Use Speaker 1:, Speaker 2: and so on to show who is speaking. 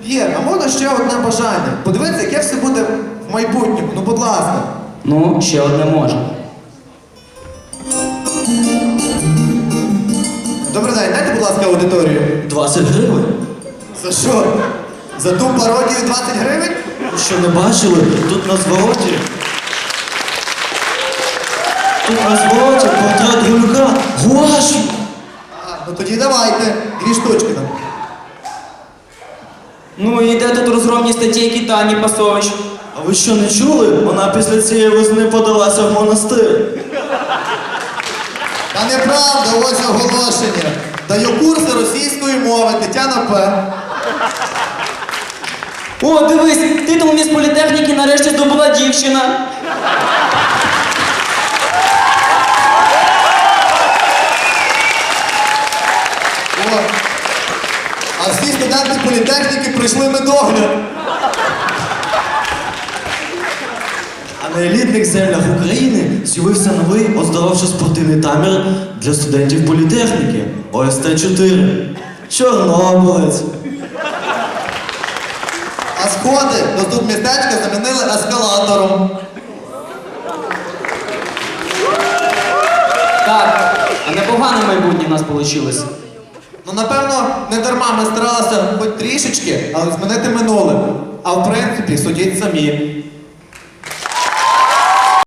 Speaker 1: П'єр, а можна ще одне бажання? Подивіться, яке все буде в майбутньому. Ну, будь ласка.
Speaker 2: Ну, ще одне можна.
Speaker 1: Добрий день, дайте, будь ласка, аудиторію.
Speaker 3: 20 гривень?
Speaker 1: За що? За ту пародію 20 гривень?
Speaker 3: Ви що, не бачили? Тут на звороті. Тут на звороті портрет Гулюка. Гуашю!
Speaker 1: Ну тоді давайте. 2 штучки там.
Speaker 2: Ну і де тут розгромні статейки Тані Пасович?
Speaker 3: А ви що, не чули? Вона після цієї весни подалася в монастир.
Speaker 1: Та неправда, ось оголошення. Даю курси російської мови, Тетяна П.
Speaker 2: О, дивись, титул міс політехніки нарешті здобула дівчина.
Speaker 1: О. А всі студенти політехніки пройшли медогляд.
Speaker 3: А на елітних землях України з'явився новий оздоровчо-спортивний табір для студентів політехніки ОСТ-4. Чорнобилець.
Speaker 1: А сходи до тут містечка замінили ескалатором.
Speaker 2: Так, а непогане майбутнє в нас вийшло.
Speaker 1: Ну, напевно, не дарма ми старалися хоч трішечки, але змінити минуле. А в принципі, судіть самі.